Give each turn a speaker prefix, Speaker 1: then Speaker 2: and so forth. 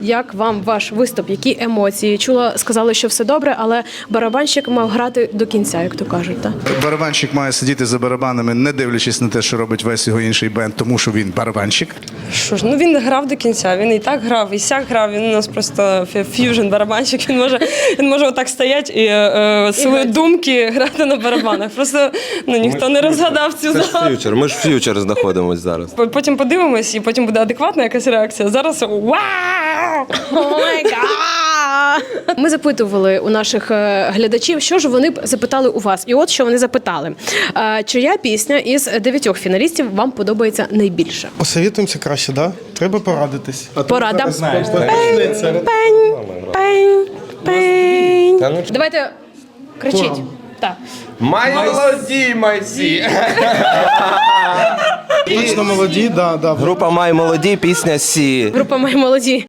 Speaker 1: Як вам ваш виступ? Які емоції? Чула, сказали, що все добре, але барабанщик мав грати до кінця, як то кажуть. Так?
Speaker 2: Барабанщик має сидіти за барабанами, не дивлячись на те, що робить весь його інший бенд, тому що він барабанщик.
Speaker 3: Що ж, ну він грав до кінця, він і так грав, і сяк грав, він у нас просто ф'южн-барабанщик, він може отак стояти і свої думки грати на барабанах. Просто ніхто не розгадав цю загадку.
Speaker 4: Ми ж ф'ючер знаходимось зараз.
Speaker 3: Потім подивимось, і потім буде адекватна якась реакція. Зараз вау!
Speaker 1: Ми запитували у наших глядачів, що ж вони б запитали у вас. І от що вони запитали. Чия пісня із 9 фіналістів вам подобається найбільше?
Speaker 5: Посовітуємося краще, да? Треба порадитись.
Speaker 1: Порада. Пень. Давайте кричіть. Так.
Speaker 4: Май молоді, майсі!
Speaker 5: Точно молоді, да.
Speaker 4: Група Май молоді, пісня Сі.
Speaker 1: Група «Май молоді».